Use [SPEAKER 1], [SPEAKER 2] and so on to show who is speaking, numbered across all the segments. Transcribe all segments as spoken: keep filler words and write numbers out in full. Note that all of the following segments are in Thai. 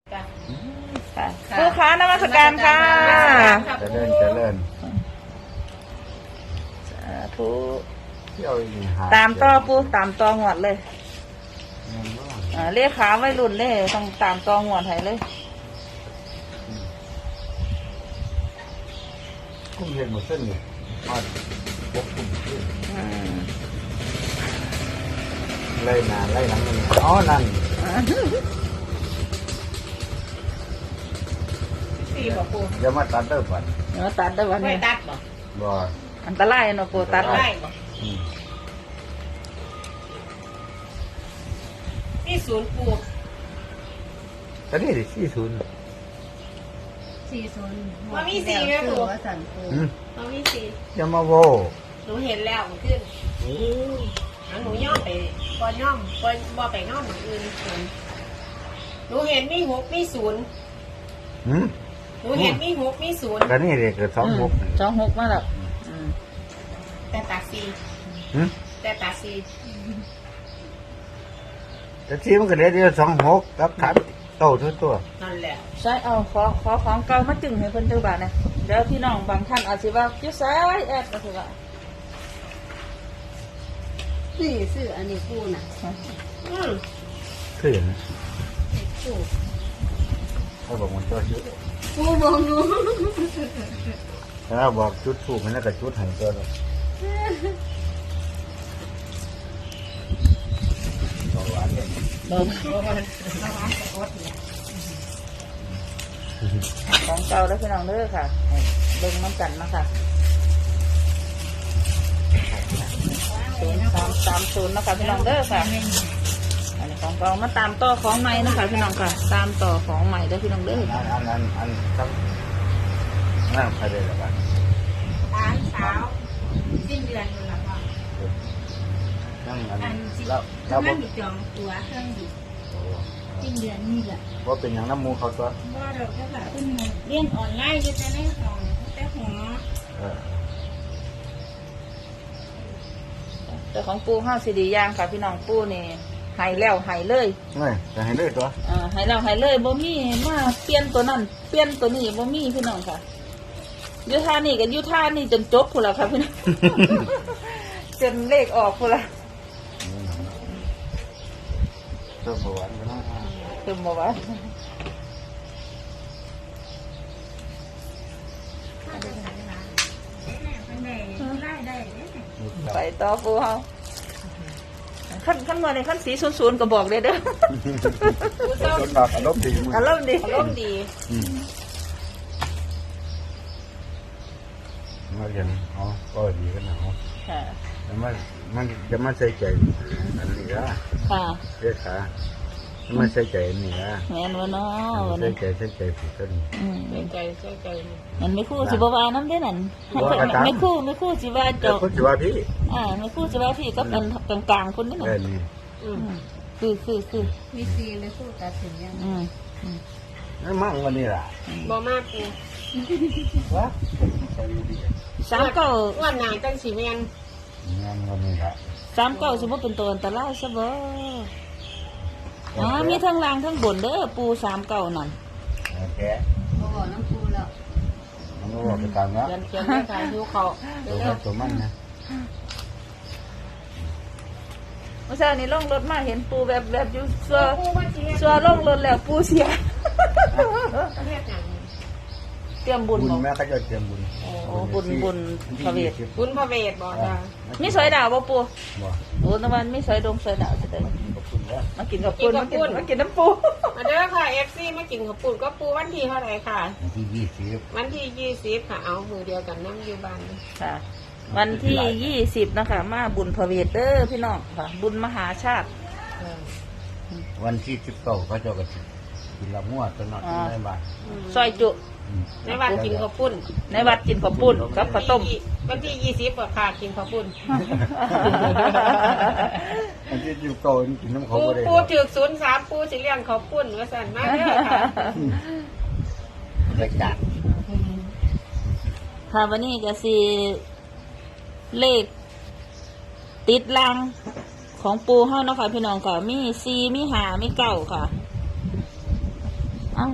[SPEAKER 1] ค่ะผู้ค้านมัสการค่ะ
[SPEAKER 2] เจริญเจริญ
[SPEAKER 1] สาธุ
[SPEAKER 2] เที่ยวอีห
[SPEAKER 1] ตามต่อปูตามต่อหวดเลยอ่าเรียกขาไว้รุ่นเลยต้องตามต่อหวดให้เลย
[SPEAKER 2] คุ้มเห็นหมดเส้นนี่มาพกคุ้มขึ้น
[SPEAKER 1] อืม
[SPEAKER 2] ไล่หน้าไล่หลังมันอ๋อนั่น
[SPEAKER 3] สี่บ่ปู
[SPEAKER 2] เดี๋ยวมาตัดเด้อปัด
[SPEAKER 1] เดี๋ยวตัดได้วัน
[SPEAKER 3] ไม่
[SPEAKER 1] นี้
[SPEAKER 3] ตัดบ่
[SPEAKER 2] บ่
[SPEAKER 1] อันตรายเนาะปูตัด
[SPEAKER 3] ได้บ่
[SPEAKER 2] อืม
[SPEAKER 3] นี่ศูนย์ปู
[SPEAKER 2] ก็นี่ดิสี่ศูนย์
[SPEAKER 4] สี่ศูนย์
[SPEAKER 3] มันมีสี่ไหมปู
[SPEAKER 4] ว่าสันปู
[SPEAKER 2] อืม
[SPEAKER 3] มันมีสี่
[SPEAKER 2] อย่ามาโว
[SPEAKER 3] หนูเห็นแล้วมันขึ้นอันหนูย่อมไปก่อนย่อมก่อนบ่ไปย่อมเหมือนอื่นศูนย์หนูเห็นมีหกมีศูนย์
[SPEAKER 2] อืม
[SPEAKER 3] หนูเห็นมีหกมีศูนย์
[SPEAKER 2] ก็นี่เด็กเกิดสองหก
[SPEAKER 1] สองหกมาแล้วอืม
[SPEAKER 3] แต่ตาสี่
[SPEAKER 2] อืม
[SPEAKER 3] แต่ตาสี่
[SPEAKER 2] แต่ที่มันก็เด็กเดียวสองหกกับทัดโตทุกตัว
[SPEAKER 3] นั่นแหละ
[SPEAKER 1] ใช่เอาขอขอของเก่ามาจึงให้เพิ่นเจ้าบ้านนะเดี๋ยวพี่น้องบางท่านอาจสิว่าจิ้วซ้ายแอดก็สิว่า
[SPEAKER 4] นี่ซื้ออันนี้ปูน่ะ
[SPEAKER 3] อืม
[SPEAKER 2] ขึ้น
[SPEAKER 4] ปู
[SPEAKER 2] เขาบอกมันตัวชุด
[SPEAKER 4] ปูบอกหนู
[SPEAKER 2] ถ้าบอกชุดถูกมันน่าจะชุดหันตัวเลยตัวหวานเนี่ย
[SPEAKER 1] ของเก่าแล้วพี่น้องเด้อค่ะให้เบิ่งน้ำกันนะคะศูนย์สามสามศูนย์นะคะพี่น้องเด้อค่ะ อันนี้ของเก่ามาตามต่อของใหม่นะคะพี่น้องค่ะ ตามต่อของใหม่เด้อพี่น้องเด้อ
[SPEAKER 2] อันอันอันอันครับนั่งใครได้หรือเปล่า
[SPEAKER 3] หลานสาวสิ้นเดือนนู่นล่ะพ่อ
[SPEAKER 2] นั่งอัน
[SPEAKER 4] อันสิ
[SPEAKER 2] แล้วแล้ว
[SPEAKER 4] กำลั
[SPEAKER 2] ว่าง
[SPEAKER 4] มีจองตัวเครื่องบินสิ้นเดือนนี่แหละ
[SPEAKER 2] ว่าเป็นอย่างน้ำมูเขาตัว
[SPEAKER 3] บ่ดอกเจ้าค่ะเพิ่นเรียนออนไลน์อยู่แต่ในห้องแต่หอ
[SPEAKER 2] เออ
[SPEAKER 1] แต่ของปูห้าซีดีย่างค่ะพี่น้องปูนี่ใหายแล้วใหายเลย
[SPEAKER 2] ไม่จะให้เลือกตัว
[SPEAKER 1] อ่าใหายแล้วใหายเลยบ่มีมาเปลี่ยนตัวนั้นเปลี่ยนตัวนี้บ่มีพี่น้องค่ะอยุท่านี่กับยุท่านี่จนจบพูนละค่ะพี่น้อง จนเลขออกพูนละ
[SPEAKER 2] เจ้าประวัติกันนะ
[SPEAKER 1] คือบอกว่า
[SPEAKER 4] ได้ได้
[SPEAKER 1] ไปต่อปูเฮาขั้นขั้นเมื่อในขั้นสีศูนย์ๆก็บอกเลยเด้อ
[SPEAKER 3] ผู้เจ้า
[SPEAKER 2] จนหลับอารมณ์ดีมึง
[SPEAKER 1] อารมณ์ดี
[SPEAKER 3] อารมณ์ดี
[SPEAKER 2] มาเรียนอ๋อก็ดีกันนะอ๋อ
[SPEAKER 1] ค่ะ
[SPEAKER 2] แต่มันมันจะมาใส่ใจอันนี้ละ
[SPEAKER 1] ค่ะ
[SPEAKER 2] เรียกขามาใส่ใจอันนี้ละ
[SPEAKER 1] แม่นวะเนาะวัน
[SPEAKER 2] ใส่
[SPEAKER 1] นี้
[SPEAKER 2] ใจใส่ใจผิดกัน
[SPEAKER 1] อืม
[SPEAKER 3] ใจใจใจใจ
[SPEAKER 1] มันไม่คู่สิบวาน้ำได้นั่น
[SPEAKER 2] บ่กระตัง
[SPEAKER 1] ไม่คู่ไม่คู่สิว่า
[SPEAKER 2] แต่
[SPEAKER 1] เจาะ
[SPEAKER 2] คนที่ว่าพี่
[SPEAKER 1] อ่าไม่คู่สิว่าพี่ก็เป็นกลางๆคนนี่ห
[SPEAKER 2] ได้
[SPEAKER 1] นึ่ง
[SPEAKER 2] นี่
[SPEAKER 3] อืม
[SPEAKER 1] คือคือคือ
[SPEAKER 4] มีซีเลยปูตัดสินยัง
[SPEAKER 1] อืม
[SPEAKER 2] นั่นมั่งวันนี้ล่ะ
[SPEAKER 3] บ่มากปู
[SPEAKER 2] วะใส่ดี
[SPEAKER 1] สามเก้า
[SPEAKER 3] วันหนาจังสีแมน
[SPEAKER 2] งานวันนี้ละ
[SPEAKER 1] สามเก้าสมมติเป็นตัวอันตรายซะบ่อ๋อมีทั้งล่างทั้งบนเด้อปูสามเก้านั่น
[SPEAKER 2] โอเค
[SPEAKER 4] บอกน้ำปูแล้ว
[SPEAKER 2] มันก็บอกไปตามนะ
[SPEAKER 3] เขียนเขียนได้ค่ะหิวเขา
[SPEAKER 2] ตัวมันตัวมันนะ
[SPEAKER 1] เมื่อเช้านี้ล่องรถมาเห็นปูแบบแบบอยู่ซัว
[SPEAKER 3] ปูว่าสิเฮ็ด
[SPEAKER 1] ซัวล่องรถแล้วปูเสีย
[SPEAKER 3] เฮ็ดหยัง
[SPEAKER 1] เตรียมบุญ
[SPEAKER 2] บุญ
[SPEAKER 1] บอก
[SPEAKER 2] แม่ก็จะเตรียมบุญ
[SPEAKER 1] โอ้บุญบุญพระเวท
[SPEAKER 3] บุญพระเวทบ่จ้า
[SPEAKER 1] มีสอยดาวบ่ปู
[SPEAKER 2] บ่
[SPEAKER 1] โอ้ตะวันมีสอยดงสอยดาวจะได้
[SPEAKER 2] ขอบคุณนะ
[SPEAKER 1] มากินกับปูนมากินมากินน้ำปู
[SPEAKER 3] มาเด้อค่ะ เอฟ ซี มากินข้าวปุ้นก็ปูวันที่เท่าไหร่ค่ะ
[SPEAKER 2] ที่ยี่สิบ
[SPEAKER 3] วันที่ยี่สิบค่ะ เอามือเดียวกันนั่งอยู่บ้าน
[SPEAKER 1] ค่ะ วันที่ยี่สิบนะคะ มาบุญพระเวทเด้อพี่น้องค่ะ บุญมหาชาติ
[SPEAKER 2] วันที่สิบเก้าก็จะกระถิ่นกินละมั่วตลอดในบ้าน
[SPEAKER 1] ซอยจุ
[SPEAKER 3] ในวันกินข้าวปุ้น
[SPEAKER 1] ในวัดกินข้าวปุ้นกับข้าวต้ม
[SPEAKER 3] วันที่ยี่สิบค่ะกินข้าวปุ้น
[SPEAKER 2] อันที่สิบเก้ากินน้ำเขา
[SPEAKER 3] ปู
[SPEAKER 2] ก็ได้
[SPEAKER 3] ปูจืดศูนย์สามปูสิเลี้ยงข้าวปุ้นว่าสั่นมาเด้อค่ะ
[SPEAKER 2] รายการ
[SPEAKER 1] ค่ะวันนี้ก็สิเลขติดลังของปูเฮาเนาะค่ะพี่น้องค่ะ มีซีมีหามีเก้าค่ะ เอ้า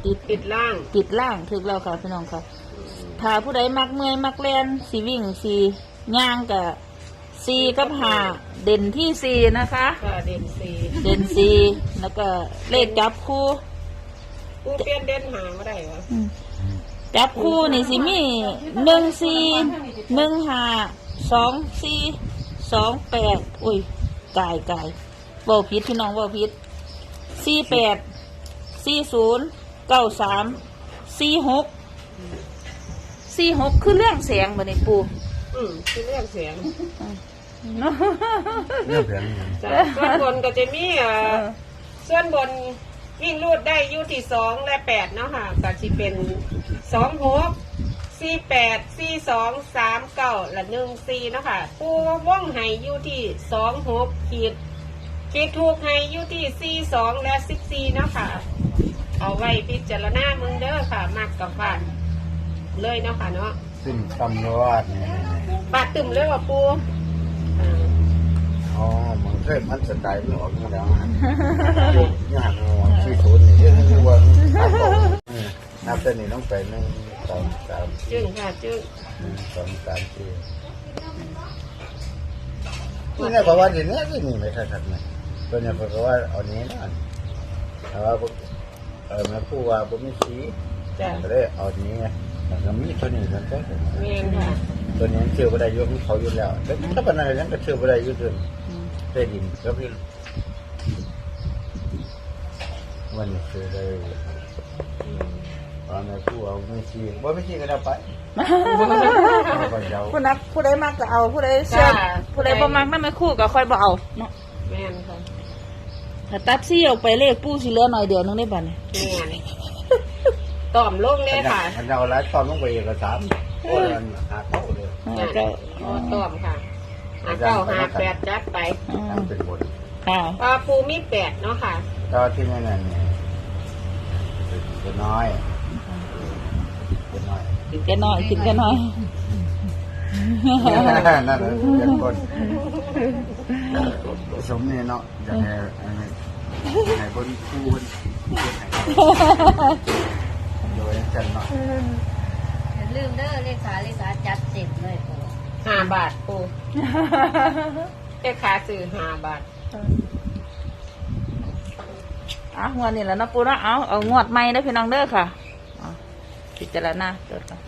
[SPEAKER 1] ติด
[SPEAKER 3] ติดล่าง
[SPEAKER 1] ติดล่างถึกแล้วค่ะพี่น้องค่ะถ้าผู้ใดมักเมื่อยมักแล่นสีวิ่งสีย่างกับสีกับหาเด่นที่สีนะคะ
[SPEAKER 3] ค่ะเด่นสี่
[SPEAKER 1] เด่นสีแล้วก็เลขจับคู่
[SPEAKER 3] ปูเปลี่ยนเด่นหาไม่ได้วะ
[SPEAKER 1] จับคู่นี่สิมีหนึ่งสี่หนึ่งห้าสองสี่สองแปดอุ้ยกายกายเบาพิษพี่น้องเบาพิษสี่แปดสี่ศูนย์เก้าสามสี่หกสี่หกคือเรื่องเสียงบ่ในปู
[SPEAKER 3] อืมคือเรื่องเสียง
[SPEAKER 1] เนาะ
[SPEAKER 2] เรื่องเพียงอย่าง
[SPEAKER 3] จ้ะส่วนบนก็จะมีเอ่อส่วนบนวิ่งรูดได้อยู่ที่สองและแปดเนาะค่ะก็จะเป็นสองหกสี่แปดสี่สองสามเก้าและหนึ่งสี่เนาะค่ะปูว่องไห้อยู่ที่สองหกขีดขีดถูกไห้อยู่ที่สี่สองและสิบสี่เนาะค่ะ เอาไว้พิจารณาเมืองเด้อค่ะมากกับบ้านเลยเนาะค่ะเนาะ
[SPEAKER 2] ซึ่งตำรวจเนี่ย
[SPEAKER 3] บาดตึมเลยว่ะปูอ่า
[SPEAKER 2] อ๋อมันเคยมันสไตล์มันออกมาแล้วฮะยากงอที่ศูนย์นี่เรื่องที่ว่านับแต่นี้ต้องไปหนึ่งสองสาม
[SPEAKER 3] จึงค่ะจึง
[SPEAKER 2] หนึ่งสองสามสี่นี่เนี่ยเพราะว่าเดี๋ยวนี้ที่นี่ไม่ทันทันนะตัวเนี่ยเพราะว่าเอานี้นะแต่ว่าเออแม่ผู้ว่าผมไม่ชี้
[SPEAKER 3] จ้ะ
[SPEAKER 2] ก็เลยเอานี้ไงแล้วมีตัวนี้มันก็
[SPEAKER 3] เมียนค่ะ
[SPEAKER 2] ตัวนี้เชื่อว่าได้ยุ่งเขาอยู่แล้วแล้วถ้าเป็นอะไรนั้นก็เชื่อว่าได้ยุ่งเลยได้ดินก็พี่วันนี้คือได้ตอนนี้ผู้เอาไม่ชี้ว่าไม่ชี้ก็ได้ไปก็ยาว
[SPEAKER 1] ผู้นักผู้ใดมักก็เอาผู้ใดเชื่อผู้ใดบ่มักนั่นไม่คู่ก็ค่อยบ่เอาเนาะ
[SPEAKER 3] เมียนค่ะ
[SPEAKER 1] ถ้าตัดซี่ออกไปเลขปูสิเหลือหน่อยเดียวนึงได้บัดนี้
[SPEAKER 3] เมียนต่อมลงเลยค่ะ
[SPEAKER 2] มันเอาหลายตอนลงไปเอกสารโอ้ยมันหาเข้าเลย
[SPEAKER 1] แล้วก็
[SPEAKER 3] อ๋อต่อมค่ะหาเก้าหาแปดจัดไป
[SPEAKER 2] ทำเป็นบท
[SPEAKER 1] ค่ะ
[SPEAKER 3] ปลาปูมีแปดเนาะค่ะ
[SPEAKER 2] ตอนที่นั่นเนี่ยจะน้อยจะน้อย
[SPEAKER 1] กินแค่น้อยกินแค่น้อย
[SPEAKER 2] นั่นเป็นคนสมเนี่ยเนาะจะให้ให้คนคู่คนโดยกันเนาะ
[SPEAKER 4] อย่าลืมเด้อเลขาเลขาจัดเต็มเลยปู
[SPEAKER 3] ห้าบาทปูเจ้าขาซื้อห้าบาท
[SPEAKER 1] อ่ะงวดนี้แหล้วนะปูเนาะเอาเอางวดใหม่ได้อพี่น้องเด้อค่ะเอาพิจารณาเด้อค่ะ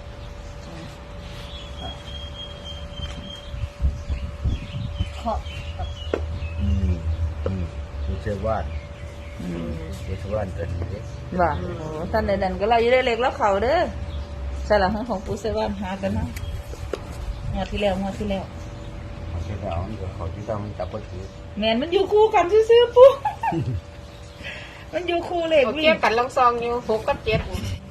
[SPEAKER 4] ขอบกับ
[SPEAKER 2] อืมอืมมีเชื่อว่า
[SPEAKER 1] อืม
[SPEAKER 2] มีเชื่อว่าเป็นนี้
[SPEAKER 1] ว่าโอ้ท่านใดนั้นก็เราอยู่ได้เล็กแล้วเขาเด้อใช่หลังของปูเซวันหากันนะงวดที่แล้วงวดที่แล้ว
[SPEAKER 2] เขาจะเอาเดี๋ยวเขาที่ต้องจับก็ถือ
[SPEAKER 1] แมนมันอยู่คู่กันซื่อๆปูมันอยู่คู่เลข
[SPEAKER 3] โอเค
[SPEAKER 1] วิ่ง
[SPEAKER 3] กันลองซองอยู่หกกับเจ็ด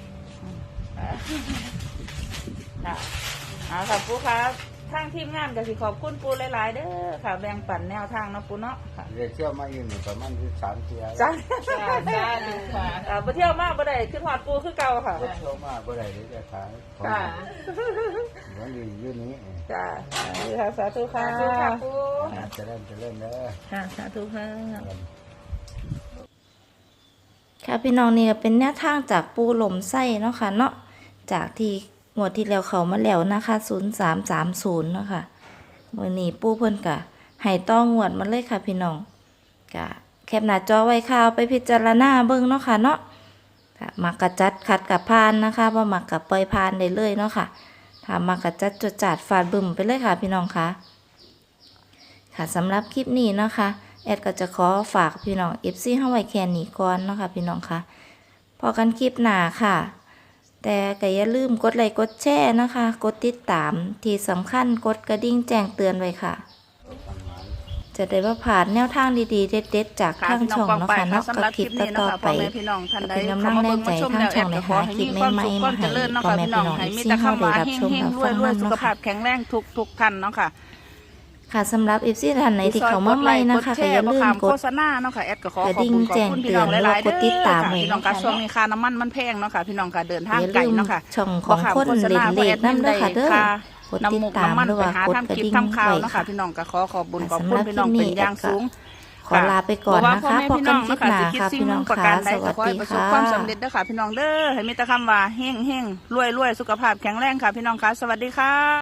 [SPEAKER 1] ค่ะเอาค่ะปูครับทางทีมงานก็สิขอบคุณปูหลายๆเด้อค่ะแบ่งปันแนวทางเนาะปูเนาะค่ะ
[SPEAKER 2] เรียกเชื่อมาอยู่หนึ่งประมาณที่สามเที่ยว
[SPEAKER 1] จ้า
[SPEAKER 3] จ้าจ้าดูค่ะ
[SPEAKER 1] อ่าไปเที่ยวมากบ่ได้ขึ้นหอดปูคือเก่าค่ะ
[SPEAKER 2] รถเที่ยวมาบ่ได้เลยจะขาย
[SPEAKER 3] ค่ะ
[SPEAKER 2] วันนี้อยู่นี้
[SPEAKER 1] จ้าค่ะสาธุค่ะ
[SPEAKER 3] สาธุค่ะปู
[SPEAKER 2] จะเล่นจะเล่นเด้อ
[SPEAKER 1] ค่ะสาธุค่ะ
[SPEAKER 5] ค่ะพี่น้องนี่ก็เป็นแนวทางจากปูหล่มไส้เนาะค่ะเนาะจากที่งวดที่แล้วเขามาแล้วนะคะศูนย์สามสามศูนย์เนาะค่ะมื่อนี้ปูเพิ่นกะให้ต้องงวดมาเลยค่ะพี่น้องกะแคปหน้าจอไว้ข่าวไปพิจารณาเบิ่งเนาะค่ะเนาะค่ะมักกะจัดขัดกับพานนะคะบ่มักกะปล่อยพานได้เลยเนาะค่ะถ้ามักกะจัดจดจัดฟาดบึ้มไปเลยค่ะพี่น้องค่ะค่ะสำหรับคลิปนี้เนาะค่ะแอดก็จะขอฝากพี่น้อง เอฟ ซี เฮาไว้แค่นี้ก่อนเนาะค่ะพี่น้องค่ะพอกันคลิปหน้าค่ะแต่ก็อย่าลืมกดไลค์กดแชร์นะคะ กดติดตามที่สำคัญกดกระดิ่งแจ้งเตือนไว้ค่ะ จะได้ว่าผ่านแนวทางดีๆเด็ดๆจากทางช่องเนาะค่ะเนาะก็คลิปต่อๆไป
[SPEAKER 1] พี่น้องท่านใด
[SPEAKER 5] เป็นกำลังแรงใจทางช่องในหาคลิปใหม่ๆมาให้พ่อแม่พี่น้อง
[SPEAKER 1] ให้
[SPEAKER 5] เอฟ
[SPEAKER 1] มี
[SPEAKER 5] ซี
[SPEAKER 1] แต่
[SPEAKER 5] เฮา
[SPEAKER 1] คำ
[SPEAKER 5] ได้
[SPEAKER 1] ว่า
[SPEAKER 5] รับ
[SPEAKER 1] เฮ
[SPEAKER 5] ชม
[SPEAKER 1] ง
[SPEAKER 5] รับ
[SPEAKER 1] ๆร
[SPEAKER 5] ฟัง
[SPEAKER 1] วยๆ
[SPEAKER 5] นำ
[SPEAKER 1] สุข
[SPEAKER 5] เนาะ
[SPEAKER 1] ภา
[SPEAKER 5] ค่ะ
[SPEAKER 1] พแข็งแรงทุกทุกท่านเนาะค่ะ
[SPEAKER 5] ค่ะสำหรับ เอฟ ซี ท่านไหนที่เขามาใหม่นะคะก็อย่าลืมก
[SPEAKER 1] โฆ
[SPEAKER 5] ด
[SPEAKER 1] ษณาเนาะค่ะแอดก็ขอก
[SPEAKER 5] ระ
[SPEAKER 1] ขอบ
[SPEAKER 5] ดิ่ง
[SPEAKER 1] คุณขอบ
[SPEAKER 5] แจ้ง
[SPEAKER 1] คุณ
[SPEAKER 5] เตื
[SPEAKER 1] พี่
[SPEAKER 5] อ
[SPEAKER 1] น้อน งหลายๆ
[SPEAKER 5] แล้วก็กดติดตาม
[SPEAKER 1] เด้อ
[SPEAKER 5] ไว้
[SPEAKER 1] พี่น้อง
[SPEAKER 5] เนาะ
[SPEAKER 1] ก็
[SPEAKER 5] ค่ะ
[SPEAKER 1] ช่วงนี้ค่าน้ำมันมันแพงเนาะค่ะพี่น้องก็เดินทาง
[SPEAKER 5] อย่า
[SPEAKER 1] ไกล
[SPEAKER 5] ลืม
[SPEAKER 1] เนาะค่ะ
[SPEAKER 5] ช่องของคนเล่นเลขน้ำเด้อค่ะเด้อกดติด
[SPEAKER 1] น้ำหมก
[SPEAKER 5] ตาม
[SPEAKER 1] น้ำมัน
[SPEAKER 5] หรือ
[SPEAKER 1] ไป
[SPEAKER 5] ว่า
[SPEAKER 1] หาก
[SPEAKER 5] ด
[SPEAKER 1] ทำ
[SPEAKER 5] กระ
[SPEAKER 1] คลิป
[SPEAKER 5] ดิ่ง
[SPEAKER 1] ทำข่าว
[SPEAKER 5] ไว้
[SPEAKER 1] เนาะ
[SPEAKER 5] ค่ะ
[SPEAKER 1] ค่ะพี่น้องก็ขอขอบบุญขอบ
[SPEAKER 5] สำ
[SPEAKER 1] คุ
[SPEAKER 5] ห
[SPEAKER 1] ณ
[SPEAKER 5] รับ
[SPEAKER 1] พี่น้อง
[SPEAKER 5] คลิปนี้
[SPEAKER 1] เป็นอย่างสูง
[SPEAKER 5] ขขอลาไปก่อนนะคะพบกันคลิปหน้าค่ะ
[SPEAKER 1] สิ
[SPEAKER 5] พี่น้อง
[SPEAKER 1] ประ
[SPEAKER 5] ค่ะ
[SPEAKER 1] การใด
[SPEAKER 5] ส
[SPEAKER 1] ก็
[SPEAKER 5] วัส
[SPEAKER 1] ขอให้
[SPEAKER 5] ดี
[SPEAKER 1] ประสบ
[SPEAKER 5] ค่ะ
[SPEAKER 1] ความสำเร็จเด้อค่ะพี่น้องเด้อให้มีแต่คำว่าเฮงเฮงรวยรวยสุขภาพแข็งแรงค่ะพี่น้องค่ะสวัสดีค่ะ